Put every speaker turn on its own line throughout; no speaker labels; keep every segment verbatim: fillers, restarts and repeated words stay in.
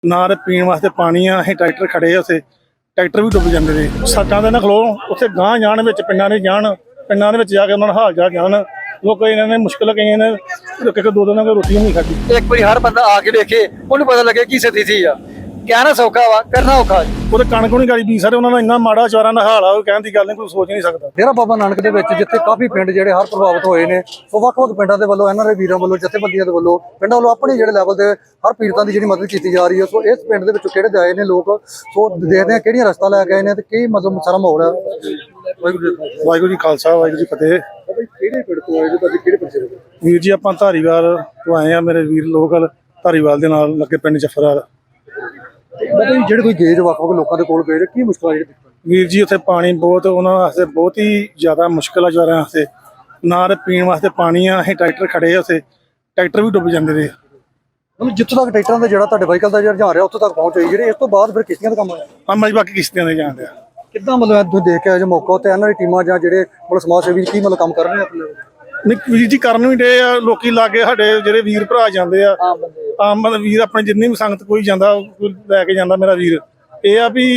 ਨਾ ਤੇ ਪੀਣ ਵਾਸਤੇ ਪਾਣੀ ਆ। ਅਸੀਂ ਟਰੈਕਟਰ ਖੜੇ ਆ, ਉੱਥੇ ਟਰੈਕਟਰ ਵੀ ਡੁੱਬ ਜਾਂਦੇ ਨੇ। ਸੱਟਾਂ ਦੇ ਨਾ ਖਲੋ ਉੱਥੇ ਗਾਂਹ ਜਾਣ ਵਿੱਚ ਪਿੰਡਾਂ ਦੇ ਜਾਣ, ਪਿੰਡਾਂ ਦੇ ਵਿੱਚ ਜਾ ਕੇ ਉਹਨਾਂ ਦਾ ਹਾਲ ਚਾਲ ਜਾਣ। ਲੋਕ ਇਹਨਾਂ ਨੇ ਮੁਸ਼ਕਿਲ ਕਈਆਂ ਨੇ ਇੱਕ ਇੱਕ ਦੋ ਦਿਨਾਂ ਦੀ ਰੋਟੀ ਨਹੀਂ ਖਾਧੀ।
ਇੱਕ ਵਾਰੀ ਹਰ ਬੰਦਾ ਆ ਕੇ ਵੇਖੇ, ਉਹਨੂੰ ਪਤਾ ਲੱਗੇ ਕੀ ਸਥਿਤੀ ਆ। ਕਹਿਣਾ ਸੌਖਾ ਵਾ, ਕਰਨਾ ਔਖਾ ਜੀ।
ਉਹਦੇ ਕਣਕ ਨਹੀਂ ਗਾਲੀ ਬੀ ਸਾਰੇ, ਉਹਨਾਂ ਦਾ ਇੰਨਾ ਮਾੜਾ ਚਾਰਾਂ ਦਾ ਹਾਲ ਆ, ਉਹ ਕਹਿਣ ਦੀ ਗੱਲ ਨਹੀਂ, ਕੋਈ ਸੋਚ ਨਹੀਂ ਸਕਦਾ।
ਡੇਰਾ ਬਾਬਾ ਨਾਨਕ ਦੇ ਵਿੱਚ ਜਿੱਥੇ ਕਾਫੀ ਪਿੰਡ ਜਿਹੜੇ ਹਰ ਪ੍ਰਭਾਵਿਤ ਹੋਏ ਨੇ, ਉਹ ਵੱਖ-ਵੱਖ ਪਿੰਡਾਂ ਦੇ ਵੱਲੋਂ ਇਹਨਾਂ ਦੇ ਵੀਰਾਂ ਵੱਲੋਂ ਜਥੇਬੰਦੀਆਂ ਦੇ ਵੱਲੋਂ ਪਿੰਡਾਂ ਵੱਲੋਂ ਆਪਣੇ ਜਿਹੜੇ ਲੈਵਲ ਦੇ ਹਰ ਪੀੜਤਾਂ ਦੀ ਜਿਹੜੀ ਮਦਦ ਕੀਤੀ ਜਾ ਰਹੀ ਹੈ। ਸੋ ਇਸ ਪਿੰਡ ਦੇ ਵਿੱਚੋਂ ਕਿਹੜੇ ਆਏ ਨੇ ਲੋਕ, ਸੋ ਦੇਖਦੇ ਆ ਕਿਹੜੀਆਂ ਰਸਤਾ ਲੈ ਕੇ ਆਏ ਨੇ ਤੇ ਕੀ ਮਤਲਬ ਸਾਰਾ ਮਾਹੌਲ ਹੈ।
ਵਾਹਿਗੁਰੂ ਜੀ ਖਾਲਸਾ, ਵਾਹਿਗੁਰੂ ਜੀ ਫਤਿਹ।
ਕਿਹੜੇ ਪਿੰਡ ਤੋਂ ਆਏ ਜੀ ਤੁਸੀਂ, ਕਿਹੜੇ ਪਿੰਡ ਤੋਂ?
ਵੀਰ ਜੀ ਆਪਾਂ ਧਾਰੀਵਾਲ ਤੋਂ ਆਏ ਆ, ਮੇਰੇ ਵੀਰ ਲੋਕਲ ਧਾਰੀਵਾਲ ਦੇ ਨਾਲ ਲੱਗੇ ਪਿੰਡ ਜਫਰਾਲ।
ਮਤਲਬ ਜਿਹੜੇ ਕੋਈ ਗੇਜ ਵੱਖ-ਵੱਖ ਲੋਕਾਂ ਦੇ ਕੋਲ ਗਏ, ਕੀ ਮੁਸ਼ਕਲਾਂ ਜਿਹੜੀ?
ਵੀਰ ਜੀ ਉੱਥੇ ਪਾਣੀ ਬਹੁਤ, ਉਹਨਾਂ ਵਾਸਤੇ ਬਹੁਤ ਹੀ ਜ਼ਿਆਦਾ ਮੁਸ਼ਕਿਲ ਆ ਜਵਾਰਾਂ ਵਾਸਤੇ। ਨਾ ਤੇ ਪੀਣ ਵਾਸਤੇ ਪਾਣੀ ਆ। ਅਸੀਂ ਟਰੈਕਟਰ ਖੜੇ ਆ, ਉੱਥੇ ਟਰੈਕਟਰ ਵੀ ਡੁੱਬ ਜਾਂਦੇ ਨੇ।
ਮਤਲਬ ਜਿੱਥੋਂ ਤੱਕ ਟਰੈਕਟਰਾਂ ਦਾ ਜਿਹੜਾ ਤੁਹਾਡੇ ਵਾਹੀਕਲ ਦਾ ਜਿਹੜਾ ਰੁਝਾਨ ਰਿਹਾ ਉੱਥੋਂ ਤੱਕ ਪਹੁੰਚ ਹੋਈ, ਜਿਹੜੇ ਇਸ ਤੋਂ ਬਾਅਦ ਫਿਰ ਕਿਸ਼ਤੀਆਂ ਦਾ ਕੰਮ ਹੋਇਆ
ਆ ਮੈਂ ਬਾਕੀ ਕਿਸ਼ਤੀਆਂ ਦੇ ਜਾਣ ਡਿਆ।
ਕਿੱਦਾਂ ਮਤਲਬ ਤੁਸੀਂ ਦੇਖ ਕੇ ਆਏ ਜੋ ਮੌਕਾ ਉੱਤੇ ਇਹਨਾਂ ਦੀ ਟੀਮਾਂ ਜਾਂ ਜਿਹੜੇ ਮਤਲਬ ਸਮਾਜ ਸੇਵੀ ਕੀ ਮਤਲਬ ਕੰਮ ਕਰ ਰਹੇ ਨੇ ਆਪਣੇ?
ਨਹੀਂ ਵੀਰ ਜੀ ਕਰਨ ਵੀ ਡੇ ਆ, ਲੋਕੀ ਲਾਗੇ ਸਾਡੇ ਜਿਹੜੇ ਵੀਰ ਭਰਾ ਜਾਂਦੇ ਆ, ਆਮ ਮਤਲਬ ਵੀਰ ਆਪਣੇ ਜਿੰਨੀ ਵੀ ਸੰਗਤ ਕੋਈ ਜਾਂਦਾ ਕੋਈ ਲੈ ਕੇ ਜਾਂਦਾ। ਮੇਰਾ ਵੀਰ ਇਹ ਆ ਵੀ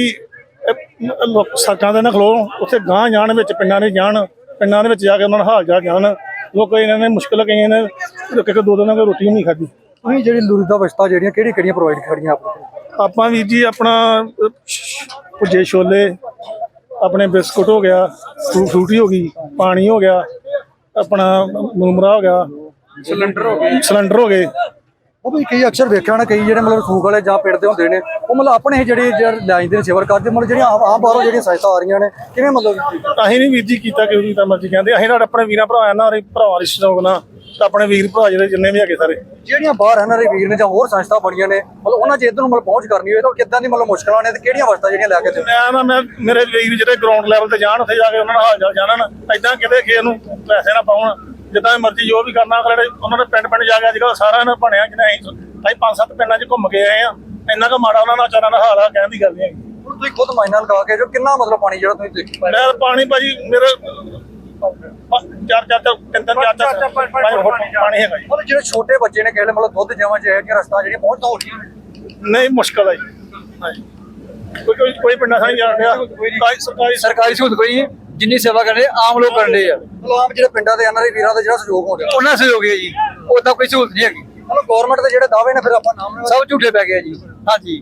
ਸੱਟਾਂ ਦੇ ਨਾ ਖਲੋ ਉੱਥੇ ਗਾਂਹ ਜਾਣ ਵਿੱਚ ਪਿੰਡਾਂ ਦੇ ਜਾਣ, ਪਿੰਡਾਂ ਦੇ ਵਿੱਚ ਜਾ ਕੇ ਉਹਨਾਂ ਦਾ ਹਾਲ ਚਾਲ ਜਾਣ। ਲੋਕ ਇਹਨਾਂ ਨੇ ਮੁਸ਼ਕਿਲ ਕਈਆਂ ਨੇ ਇੱਕ ਇੱਕ ਦੋ ਦਿਨਾਂ ਦੀ ਰੋਟੀ ਨਹੀਂ ਖਾਧੀ।
ਤੁਸੀਂ ਜਿਹੜੀ ਲੋੜੀਂਦਾ ਵਸਤਾਂ ਜਿਹੜੀਆਂ ਕਿਹੜੀ ਕਿਹੜੀਆਂ ਪ੍ਰੋਵਾਈਡ ਕਰੀਆਂ ਆਪਣੇ?
ਆਪਾਂ ਵੀਰ ਜੀ ਆਪਣਾ ਭੁੱਜੇ ਛੋਲੇ, ਆਪਣੇ ਬਿਸਕੁਟ ਹੋ ਗਿਆ, ਫਰੂ ਫਰੂਟੀ ਹੋ ਗਈ, ਪਾਣੀ ਹੋ ਗਿਆ, ਆਪਣਾ ਮੁਰਮਰਾ ਹੋ ਗਿਆ, ਸਿਲੰਡਰ ਹੋ ਗਏ ਸਿਲੰਡਰ ਹੋ ਗਏ
ਉਹ ਵੀ ਕਈ ਅਕਸਰ ਵੇਖਿਆ ਹੋਣਾ, ਕਈ ਜਿਹੜੇ ਮਤਲਬ ਸੂਕ ਵਾਲੇ ਜਾਂ ਪਿੰਡ ਦੇ ਹੁੰਦੇ ਨੇ, ਉਹ ਮਤਲਬ ਆਪਣੇ ਜਿਹੜੇ ਲੈ ਜਾਂਦੇ ਨੇ ਸੇਵਾ ਕਰਦੇ, ਮਤਲਬ ਜਿਹੜੀਆਂ ਆਮ ਬਾਹਰੋਂ ਜਿਹੜੀਆਂ ਸਹਾਇਤਾ ਆ ਰਹੀਆਂ ਨੇ, ਕਿਵੇਂ ਮਤਲਬ?
ਅਸੀਂ ਨਹੀਂ ਵੀਰ ਜੀ ਕੀਤਾ ਕਿ ਉਹਦੀ ਤਾਂ ਮਰਜ਼ੀ ਕਹਿੰਦੇ। ਅਸੀਂ ਸਾਡੇ ਆਪਣੇ ਵੀਰਾਂ ਭਰਾ ਨਾਲ ਭਰਾਵਾਂ ਦੇ ਸ਼ੌਕ ਨਾਲ ਤਾਂ ਆਪਣੇ ਵੀਰ ਭਰਾ ਜਿਹੜੇ ਜਿੰਨੇ ਵੀ ਹੈਗੇ ਸਾਰੇ
ਜਿਹੜੀਆਂ ਬਾਹਰ ਇਹਨਾਂ ਦੇ ਵੀਰ ਨੇ ਜਾਂ ਹੋਰ ਸੰਸਥਾ ਬਣੀਆਂ ਨੇ, ਮਤਲਬ ਉਹਨਾਂ 'ਚ ਇੱਧਰ ਨੂੰ ਮਤਲਬ ਪਹੁੰਚ ਕਰਨੀ ਹੋਵੇ ਤਾਂ ਕਿੱਦਾਂ ਦੀ ਮਤਲਬ ਮੁਸ਼ਕਲਾਂ ਨੇ ਤੇ ਕਿਹੜੀਆਂ ਵਸਤਾਂ ਜਿਹੜੀਆਂ ਲੈ ਕੇ ਤੇ?
ਮੈਂ ਨਾ ਮੈਂ ਮੇਰੇ ਵੀਰ ਜਿਹੜੇ ਗਰਾਊਂਡ ਲੈਵਲ ਤੇ ਜਾਣ, ਉੱਥੇ ਜਾ ਕੇ ਉਹਨਾਂ ਨਾਲ ਹਾਲ ਚਾਲ ਜਾਣਨ। ਏਦਾਂ ਕਿਤੇ ਕਿਸੇ ਨੂੰ ਪੈਸੇ ਨਾ ਪਾਉਣ, ਜਿੱਦਾਂ ਮਰਜ਼ੀ ਜੋ ਵੀ ਕਰਨਾ ਜਿਹੜੇ ਉਹਨਾਂ ਦੇ ਪਿੰਡ ਪਿੰਡ ਜਾ ਕੇ ਅੱਜ ਕੱਲ੍ਹ ਸਾਰਿਆਂ ਨੇ ਬਣਿਆ। ਜਿਹਨੇ ਅਸੀਂ ਅਸੀਂ ਪੰਜ ਸੱਤ ਪਿੰਡਾਂ 'ਚ ਘੁੰਮ ਕੇ ਆਏ ਆ, ਇੰਨਾ ਕੁ ਮਾੜਾ ਉਹਨਾਂ ਦਾ ਚਾਰਾਂ ਦਾ ਹਾਲ ਆ, ਕਹਿਣ ਦੀ ਗੱਲ ਨਹੀਂ ਹੈਗੀ।
ਹੁਣ ਤੁਸੀਂ ਖੁਦ ਮਾਇਨਾ ਲਗਾ ਕੇ ਜੋ ਕਿੰਨਾ ਮਤਲਬ ਪਾਣੀ ਜਿਹੜਾ ਤੁਸੀਂ ਦੇਖੀ ਪਾਇਆ?
ਮੈਂ ਪਾਣੀ ਭਾਜੀ ਮੇਰੇ ਚਾਰ ਚਾਰ ਤਿੰਨ ਤਿੰਨ ਚਾਰ ਚਾਰ ਪਾਣੀ ਹੈਗਾ ਜੀ।
ਮਤਲਬ ਜਿਹੜੇ ਛੋਟੇ ਬੱਚੇ ਨੇ ਕਹਿੰਦੇ ਮਤਲਬ ਦੁੱਧ ਜਾਵਾਂ ਚ ਇਹ ਰਸਤਾ ਜਿਹੜੀਆਂ ਪਹੁੰਚ ਤਾਂ ਹੋ ਰਹੀਆਂ ਨੇ?
ਨਹੀਂ ਮੁਸ਼ਕਲ ਹੈ ਜੀ। ਹਾਂਜੀ ਕੋਈ ਕੋਈ ਕੋਈ ਪਿੰਡਾਂ ਸਾਂ ਜਾਣ ਡਿਆ, ਸਰਕਾਰੀ
ਸਰਕਾਰੀ ਸਹੂਲਤ ਕੋਈ ਨਹੀਂ, ਜਿੰਨੀ ਸੇਵਾ ਕਰਦੇ ਆਮ ਲੋਕ ਕਰਨ ਦੇ ਆ।
ਮਤਲਬ ਆਮ ਜਿਹੜੇ ਪਿੰਡਾਂ ਦੇ ਇਹਨਾਂ ਦੇ ਵੀਰਾਂ ਦਾ ਜਿਹੜਾ ਸਹਿਯੋਗ ਹੋ ਰਿਹਾ,
ਉਹਨਾਂ ਸਹਿਯੋਗ ਹੈ ਜੀ, ਉਦਾਂ ਕੋਈ ਸਹੂਲਤ ਨਹੀਂ ਹੈਗੀ।
ਮਤਲਬ ਗਵਰਨਮੈਂਟ ਦੇ ਜਿਹੜੇ ਦਾਅਵੇ ਨੇ ਫਿਰ ਆਪਾਂ ਨਾਮ
ਸਭ ਝੂਠੇ ਪੈ ਗਏ ਜੀ। ਹਾਂਜੀ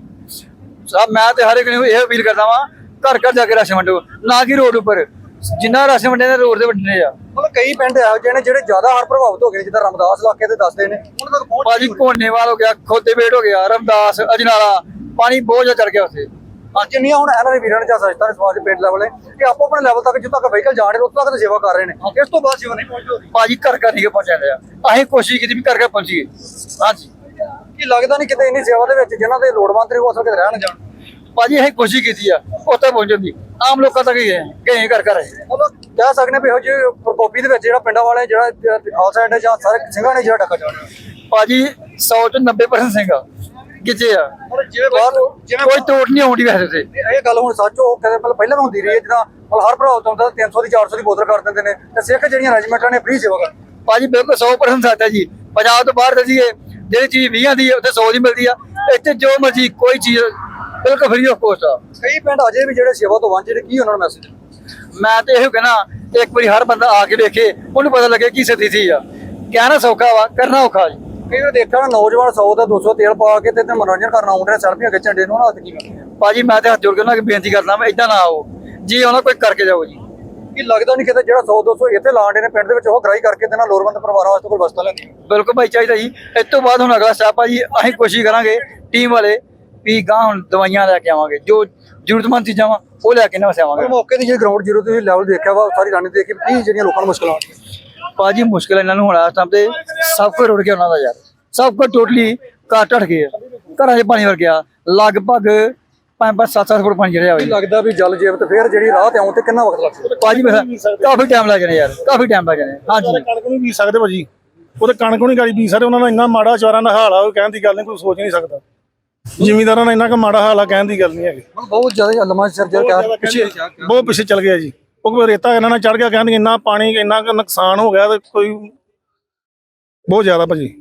ਸਭ, ਮੈਂ ਤੇ ਹਰ ਇੱਕ ਨੂੰ ਇਹ ਅਪੀਲ ਕਰਦਾ ਵਾਂ, ਘਰ ਘਰ ਜਾ ਕੇ ਰਾਸ਼ਨ ਵੰਡੋ, ਨਾ ਕਿ ਰੋਡ ਉੱਪਰ। ਜਿੰਨਾ ਰਾਸ਼ਨ ਵੰਡੇ ਨੇ ਰੋਡ ਤੇ ਵੰਡਣੇ ਆ।
ਮਤਲਬ ਕਈ ਪਿੰਡ ਇਹੋ ਜਿਹੇ ਨੇ ਜਿਹੜੇ ਜ਼ਿਆਦਾ ਹਰ ਪ੍ਰਭਾਵਿਤ ਹੋ ਗਏ, ਜਿੱਦਾਂ ਰਮਦਾਸ ਇਲਾਕੇ ਦੇ ਦੱਸਦੇ ਨੇ, ਉਹਨਾਂ ਤੱਕ ਪਹੁੰਚ
ਭਾਜੀ ਕੋਨੇਵਾਲ ਹੋ ਗਿਆ, ਖੋਤੇਬੇਟ ਹੋ ਗਿਆ, ਰਮਦਾਸ, ਅਜਨਾਲਾ, ਪਾਣੀ ਬਹੁਤ ਜ਼ਿਆਦਾ ਚੜ ਗਿਆ ਉੱਥੇ।
ਅੱਜ ਨਹੀਂ ਹੁਣ ਇਹਨਾਂ ਦੇ ਵੀਰਾਂ ਨੇ ਜਾਂ ਸੰਸਥਾ ਨੇ ਸਮਾਜ ਪਿੰਡ ਲੈਵਲ ਕਿ ਆਪੋ ਆਪਣੇ ਲੈਵਲ ਤੱਕ ਜਿੱਥੋਂ ਤੱਕ ਵਹੀਕਲ ਜਾ ਰਹੇ ਨੇ ਉੱਥੋਂ ਤੱਕ ਸੇਵਾ ਕਰ ਰਹੇ ਨੇ, ਇਸ ਤੋਂ ਬਾਅਦ ਸੇਵਾ ਨਹੀਂ ਪਹੁੰਚਦੀ।
ਭਾਜੀ ਘਰ ਘਰ ਨਹੀਂ ਪਹੁੰਚਾਉਂਦੇ ਆ, ਅਸੀਂ ਕੋਸ਼ਿਸ਼ ਕੀਤੀ ਵੀ ਘਰ ਘਰ ਪਹੁੰਚੀਏ। ਹਾਂਜੀ
ਕੀ ਲੱਗਦਾ ਨਹੀਂ ਕਿਤੇ ਇੰਨੀ ਸੇਵਾ ਦੇ ਵਿੱਚ ਜਿਨ੍ਹਾਂ ਦੇ ਲੋੜਵੰਦ ਨੇ ਉਹ ਅਸਲ ਕਿਤੇ ਰਹਿਣ ਜਾਣ?
ਭਾਜੀ ਅਸੀਂ ਕੋਸ਼ਿਸ਼ ਕੀਤੀ ਆ ਉੱਥੇ ਪਹੁੰਚਣ ਦੀ, ਆਮ ਲੋਕਾਂ ਤੱਕ ਹੀ ਗਏ ਗਏ ਘਰ ਘਰ।
ਮਤਲਬ ਕਹਿ ਸਕਦੇ ਵੀ ਇਹੋ ਜਿਹੇ ਪ੍ਰਕੋਪੀ ਦੇ ਵਿੱਚ ਜਿਹੜਾ ਪਿੰਡਾਂ ਵਾਲੇ ਜਿਹੜਾ ਖਾਲਸਾ ਐਡ ਜਾਂ ਸਾਰੇ ਸਿੰਘਾਂ ਨੇ ਜਿਹੜਾ ਟੱਕਾ ਜਾਣਾ।
ਭਾਜੀ ਸੌ ਚ ਨੱਬੇ ਪਰਸੈਂਟ ਸਿੰਘ ਕਿੱਥੇ ਆ,
ਜਿਵੇਂ ਬਾਹਰ ਜਿਵੇਂ
ਕੋਈ ਤੋੜ ਨਹੀਂ ਆਉਂਦੀ ਵੈਸੇ ਤੇ।
ਇਹ ਗੱਲ ਹੁਣ ਸੱਚ ਉਹ ਕਹਿੰਦੇ ਮਤਲਬ ਪਹਿਲਾਂ ਵੀ ਹੁੰਦੀ ਰਹੀ ਹੈ, ਜਿੱਦਾਂ ਮਤਲਬ ਹਰ ਭਰਾ ਹੁੰਦਾ ਤਿੰਨ ਸੌ ਦੀ ਚਾਰ ਸੌ ਦੀ ਬੋਤਲ ਕਰ ਦਿੰਦੇ ਨੇ ਤੇ ਸਿੱਖ ਜਿਹੜੀਆਂ ਰੈਜੀਮੈਂਟਾਂ ਨੇ ਫ੍ਰੀ ਸੇਵਾ ਕਰ।
ਭਾਜੀ ਬਿਲਕੁਲ ਸੌ ਪਰਸੈਂਟ ਸੱਚ ਹੈ ਜੀ। ਪੰਜਾਬ ਤੋਂ ਬਾਹਰ ਦਸੀਏ ਜਿਹੜੀ ਚੀਜ਼ ਵੀਹਾਂ ਦੀ ਹੈ ਉੱਥੇ ਸੌ ਦੀ ਮਿਲਦੀ ਆ, ਇੱਥੇ ਜੋ ਮਰਜੀ ਕੋਈ ਚੀਜ਼ ਬਿਲਕੁਲ ਫ੍ਰੀ ਆਫ ਕੋਸਟ ਆ।
ਕਈ ਪਿੰਡ ਅਜੇ ਵੀ ਜਿਹੜੇ ਸੇਵਾ ਤੋਂ ਵਾਂਝੇ ਨੇ, ਕੀ ਉਹਨਾਂ ਨੂੰ ਮੈਸੇਜ?
ਮੈਂ ਤੇ ਇਹੋ ਕਹਿਣਾ, ਇੱਕ ਵਾਰੀ ਹਰ ਬੰਦਾ ਆ ਕੇ ਵੇਖੇ, ਉਹਨੂੰ ਪਤਾ ਲੱਗੇ ਕੀ ਸਥਿਤੀ ਆ। ਕਹਿਣਾ ਸੌਖਾ ਵਾ, ਕਰਨਾ ਔਖਾ ਜੀ।
ਕਈ ਵਾਰ ਦੇਖਿਆ ਨਾ ਨੌਜਵਾਨ ਸੌ ਦਾ ਦੋ ਸੌ ਤੇਲ ਪਾ ਕੇ ਤੇ ਮਨੋਰੰਜਨ ਕਰਨ ਆਉਂਦੇ ਨੇ, ਸੈਲਫੀਆਂ ਖਿੱਚਣ ਦੇ ਨੂੰ ਉਹਨਾਂ ਹੱਥ ਕੀ ਕਰਦੇ?
ਭਾਜੀ ਮੈਂ ਤੇ ਹੱਥ ਜੋੜ ਕੇ ਉਹਨਾਂ ਅੱਗੇ ਬੇਨਤੀ ਕਰਦਾ, ਮੈਂ ਏਦਾਂ ਨਾ ਆਓ ਜੀ, ਉਹਨਾਂ ਕੋਈ ਕਰਕੇ ਜਾਓ ਜੀ।
ਕੀ ਲੱਗਦਾ ਨਹੀਂ ਕਿਤੇ ਜਿਹੜਾ ਸੌ ਦੋ ਸੌ ਇੱਥੇ ਲਾਉਂਦੇ ਨੇ ਪਿੰਡ ਦੇ ਵਿੱਚ ਉਹ ਗ੍ਰਾਈ ਕਰਕੇ ਤੇ ਨਾਲ ਲੋੜਵੰਦ ਪਰਿਵਾਰਾਂ ਵਾਸਤੇ ਕੋਈ ਵਸਤਾਂ ਲੈਂਦੀ?
ਬਿਲਕੁਲ ਭਾਈ ਚਾਹੀਦਾ ਜੀ। ਇਸ ਤੋਂ ਬਾਅਦ ਹੁਣ ਅਗਲਾ ਸਟੈਪ ਆ ਜੀ, ਅਸੀਂ ਕੋਸ਼ਿਸ਼ ਕਰਾਂਗੇ ਟੀਮ ਵਾਲੇ ਵੀ ਗਾਂ ਹੁਣ ਦਵਾਈਆਂ ਲੈ ਕੇ ਆਵਾਂਗੇ, ਜੋ ਜ਼ਰੂਰਤਮੰਦ ਚੀਜ਼ਾਂ ਵਾ ਉਹ ਲੈ ਕੇ ਨਾ ਵਸਾਵਾਂਗੇ।
ਮੌਕੇ ਦੀ ਜਿਹੜੀ ਗਰਾਊਂਡ ਜ਼ੀਰੋ ਤੇ ਲੈਵਲ ਦੇਖਿਆ ਵਾ, ਸਾਰੀ ਰਾਣੀ ਦੇਖੀ ਕੀ ਜਿਹੜੀਆਂ ਲੋਕਾਂ ਨੂੰ ਮੁਸ਼ਕਲਾਂ ਆਉਂਦੀਆਂ?
ਭਾਜੀ ਮੁਸ਼ਕਿਲ ਇਹਨਾਂ ਨੂੰ ਹੋਣਾ ਇਸ ਟਾਈਮ ਤੇ, ਸਭ ਕੁਝ ਰੁੜ ਗਿਆ ਉਹਨਾਂ ਦਾ ਯਾਰ, ਸਭ ਕੁਝ ਟੋਟਲੀ ਘਰ ਢੱਠ ਗਏ, ਘਰਾਂ 'ਚ ਪਾਣੀ ਵਰ ਗਿਆ, ਲਗਭਗ ਪੰਜ ਪੰਜ ਸੱਤ ਸੱਤ ਫੁੱਟ ਪਾਣੀ ਜਿਹੜਾ ਹੋਇਆ।
ਲੱਗਦਾ ਵੀ ਜਲ ਜੀਵ ਤੇ ਫੇਰ ਜਿਹੜੀ ਰਾਹ ਤੇ ਆਉਣ ਤੇ ਕਿੰਨਾ ਵਕਤ ਲੱਗਦਾ?
ਭਾਜੀ ਕਾਫੀ ਟਾਈਮ ਲੱਗ ਜਾਣਾ ਯਾਰ, ਕਾਫੀ ਟਾਈਮ ਲੱਗ ਜਾਣਾ। ਹਾਂਜੀ
ਕਣਕ ਨਹੀਂ ਬੀਜ ਸਕਦੇ ਭਾਜੀ, ਉਹਦੇ ਕਣਕ ਨਹੀਂ ਗਾਲੀ ਬੀਜ ਸਕਦੇ। ਉਹਨਾਂ ਦਾ ਇੰਨਾ ਮਾੜਾ ਚਾਰਾਂ ਦਾ ਹਾਲ ਆ, ਉਹ ਕਹਿਣ ਦੀ ਗੱਲ ਨਹੀਂ, ਕੋਈ ਸੋਚ ਨਹੀਂ ਸਕਦਾ। ਜ਼ਿਮੀਂਦਾਰਾਂ ਦਾ ਇੰਨਾ ਕੁ ਮਾੜਾ ਹਾਲ ਆ, ਕਹਿਣ ਦੀ ਗੱਲ ਨਹੀਂ ਹੈਗੀ।
ਬਹੁਤ ਜ਼ਿਆਦਾ ਲੰਮਾ ਸਿਰ ਜਿਹੜਾ
ਪਿੱਛੇ ਬਹੁਤ ਪਿੱਛੇ ਚੱਲ ਗਿਆ ਜੀ। ਉਹ ਰੇਤਾ ਇਹਨਾਂ ਨਾਲ ਚੜ ਗਿਆ, ਕਹਿੰਦੇ ਇੰਨਾ ਪਾਣੀ ਇੰਨਾ ਕੁ ਨੁਕਸਾਨ ਹੋ ਗਿਆ ਤੇ ਕੋਈ ਬਹੁਤ ਜ਼ਿਆਦਾ ਭਾਜੀ।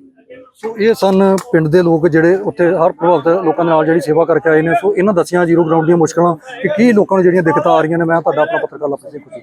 ਸੋ ਇਹ ਸਨ ਪਿੰਡ ਦੇ ਲੋਕ ਜਿਹੜੇ ਉੱਥੇ ਹਰ ਪ੍ਰਭਾਵਿਤ ਲੋਕਾਂ ਦੇ ਨਾਲ ਜਿਹੜੀ ਸੇਵਾ ਕਰਕੇ ਆਏ ਨੇ। ਸੋ ਇਹਨਾਂ ਦੱਸੀਆਂ ਜ਼ੀਰੋ ਗਰਾਊਂਡ ਦੀਆਂ ਮੁਸ਼ਕਲਾਂ ਕਿ ਕੀ ਲੋਕਾਂ ਨੂੰ ਜਿਹੜੀਆਂ ਦਿੱਕਤਾਂ ਆ ਰਹੀਆਂ ਨੇ। ਮੈਂ ਤੁਹਾਡਾ ਆਪਣਾ ਪੱਤਰਕਾਰ ਲਵਪ੍ਰੀਤ ਸਿੰਘ।